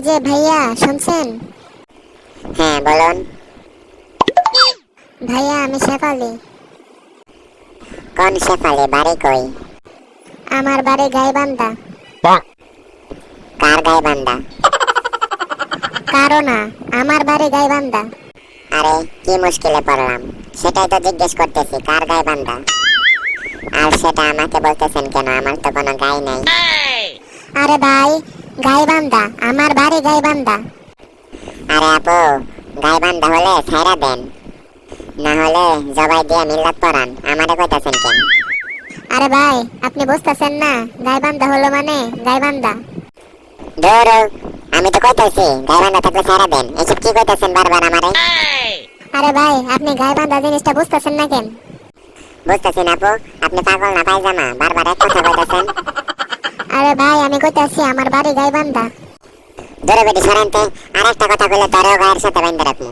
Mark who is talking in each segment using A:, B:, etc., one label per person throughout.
A: যে ভাইয়া শুনছেন?
B: হ্যাঁ বলুন।
A: ভাইয়া আমি শেফালি।
B: কোন শেফালি? বাড়ি কই?
A: আমার বাড়ি গাইবান্ধা।
B: কার গাইবান্ধা?
A: কারো না, আমার বাড়ি গাইবান্ধা।
B: আরে কি মুশকিলে পড়লাম, সেটাই তো জিজ্ঞেস করতেছি, কার গাইবান্ধা? আর সেটা আমাকে বলতেছেন কেন? আমার তো কোনো গাই নাই।
A: আরে ভাই, গাইবান্ধা, আমার বাড়ি গাইবান্ধা।
B: আরে আপু, গাইবান্ধা হলে ছাইরা দেন, না হলে জবাই দিয়ে মিল্লাত পড়ান। আমারে কইতাছেন কেন?
A: আরে ভাই, আপনি বুঝতেছেন না, গাইবান্ধা হলো মানে গাইবান্ধা।
B: ধুর, আমি তো কইতাছি গাইবান্ধা থাকলে ছাইরা দেন। এসব কি কইতাছেন বারবার আমারে?
A: আরে ভাই, আপনি গাইবান্ধা জিনিসটা বুঝতেছেন না কেন?
B: বুঝতেছি না আপু, আপনি পাগল না পায়জামা? বারবার এক কথা কইতাছেন।
A: আরে ভাই, আমি কইতাছি আমার বাড়ি গাইবান্ধা।
B: ধরে বেটি সরেনতে, আর একটা কথা কইলে তোরেও গায়ের সাথে বাইন্ধে রাখবো।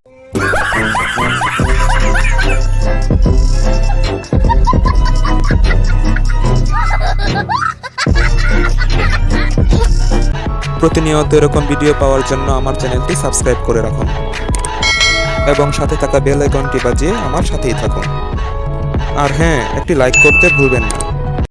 C: প্রতিনিয়ত এরকম ভিডিও পাওয়ার জন্য আমার চ্যানেলটি সাবস্ক্রাইব করে রাখুন এবং সাথে থাকা বেল আইকনটি বাজিয়ে আমার সাথেই থাকুন। আর হ্যাঁ, একটি লাইক করতে ভুলবেন না।